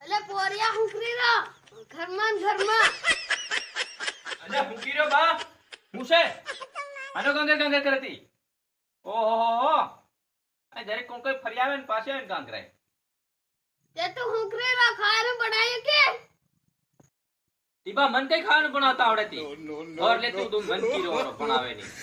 અલે પોરિયા હુકરી રો ઘરમાં અલે હુકી રો બા હું છે આનો ગંગે કરતી ઓહો આ જરે કોણ કોઈ ફરી આવે ને પાસે આવીને કાંકરાય તે તો હુકરી રો ખાવાનું બનાવ્યું કે તીબા મન કઈ ખાવાનું બનાવતા આવડતી ઓર લે તું મન કી રો બનાવે ની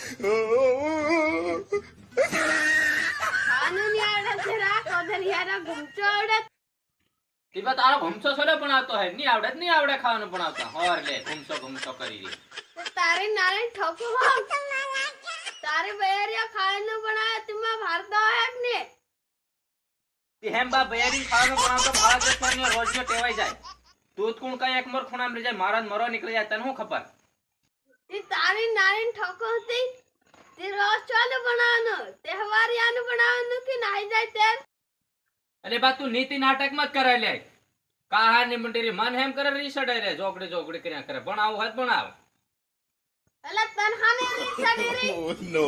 ખાવાનું ની આવડે છે રા કોદરિયાના ઘૂમચો આવડે તીબા તારો ઘૂમસો સોલે બનાવતો હે ની આવડે ખાવાનું બનાવતા ઓર લે ઘૂમસો કરી દી તો તારે નારે ઠોકો હો તારે બેરિયા ખાવાનું બનાવે તુમાં ભારતો હે ને તી હેમ બા બયારી ખાવાનું બનાવતો ભાળ દેખવા ને રોજ નો ટેવાઈ જાય તું કોણ કઈ એક મોર ખૂણામ રહી જાય મારા મરો નીકળી જાય તને હું ખબર તી તારે નારે ઠોકો હતી તે રોજ ચાલુ બનાવવાનું તહેવારિયાનું બનાવવાનું કે નાઈ જાય તે અરે બા તું નીતિ નાટક મત કરે લે કાહા ની મંડીરી મન હેમ કરે રીસડે રે જોકડી કર્યા કરે ભણાવ હત ભણાવ અલે તનહાને રીસડી રી No.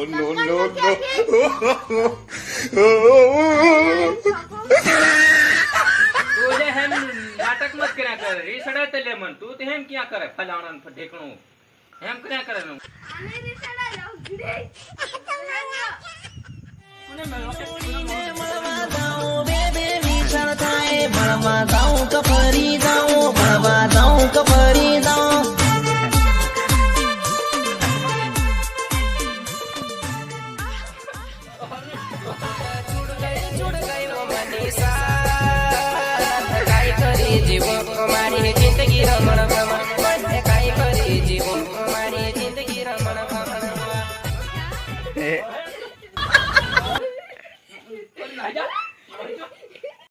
તું લે હેમ નાટક મત કર્યા કરે રીસડે તે લે મન તું તે હેમ ક્યાં કરે ફલાણા ને ઢેકણું હેમ કર્યા કરે નું આને રીસડા લગડી મને મેલો કે Baby, me tryna tie it,